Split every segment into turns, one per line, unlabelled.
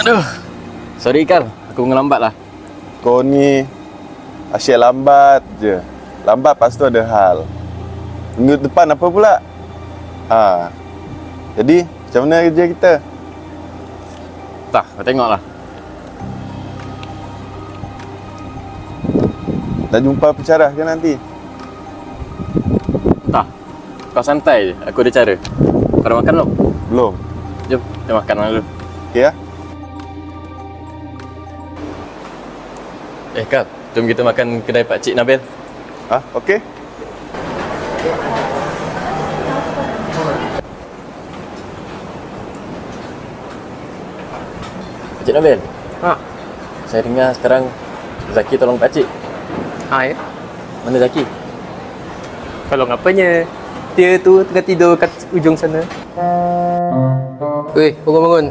Aduh. Sorry Ikal, aku ngelambat lah.
Kau ni asyik lambat je. Lambat lepas tu ada hal. Minggu depan apa pula? Jadi macam mana kerja kita?
Tak, kau tengoklah.
Dah jumpa pencerah ke nanti?
Tak. Kau santai je, aku ada cara. Kau dah makan belum?
Belum.
Jom, kita makan dulu.
Okey ya?
Kal, jom kita makan kedai Pak Cik Nabil.
Okey.
Pak Cik Nabil,
Ha.
saya dengar sekarang Zaki tolong Pak Cik.
Ha ya.
Mana Zaki?
Kalau ngapanya? Dia tu tengah tidur kat ujung sana. Weh, bangun-bangun.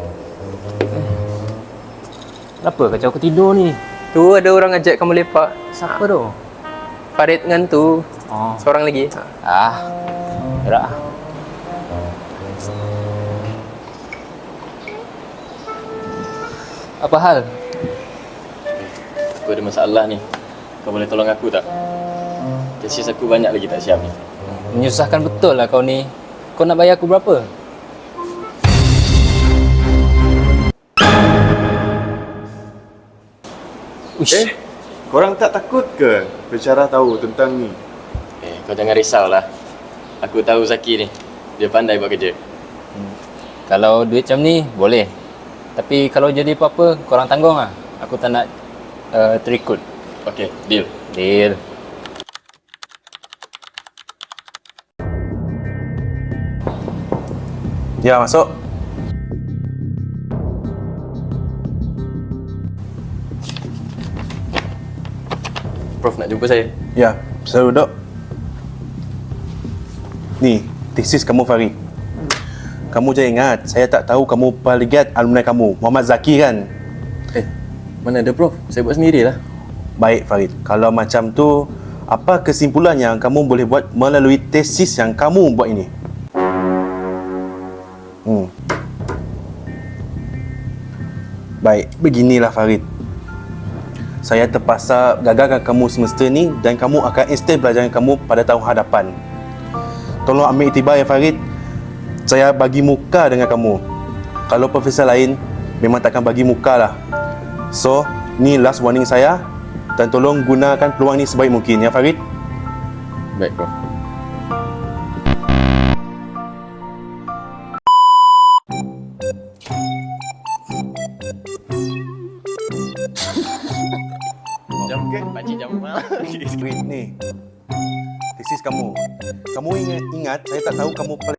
Kenapa kacau aku tidur ni?
Tu ada orang ajak kamu lepak.
Siapa tu?
Farid dengan tu.
Oh.
Seorang lagi.
Gerak.
Apa hal?
Aku ada masalah ni. Kau boleh tolong aku tak? Tesis aku banyak lagi tak siap ni.
Menyusahkan betul lah kau ni. Kau nak bayar aku berapa? Uish.
Korang tak takut ke pencerah tahu tentang ni?
Kau jangan risaulah. Aku tahu Zaki ni. Dia pandai buat kerja.
Kalau duit macam ni, boleh. Tapi kalau jadi apa-apa, korang tanggung lah. Aku tak nak terikut.
Okey, deal.
Deal.
Ya, masuk.
Prof nak jumpa saya.
Ya, saya duduk. Ni, tesis kamu Farid. Kamu jangan ingat, saya tak tahu kamu polyglot alumni kamu, Muhammad Zaki kan?
Mana ada Prof? Saya buat sendirilah.
Baik Farid, kalau macam tu, apa kesimpulan yang kamu boleh buat melalui tesis yang kamu buat ini? Baik, beginilah Farid. Saya terpaksa gagalkan kamu semester ni dan kamu akan extend pelajaran kamu pada tahun hadapan. Tolong ambil iktibar ya Farid. Saya bagi muka dengan kamu. Kalau profesor lain, memang takkan bagi muka lah. So, ni last warning saya dan tolong gunakan peluang ni sebaik mungkin ya Farid.
Baik, Prof. Jam ke? Pakcik jam
Farid ni, tesis kamu. Kamu ingat saya tak tahu kamu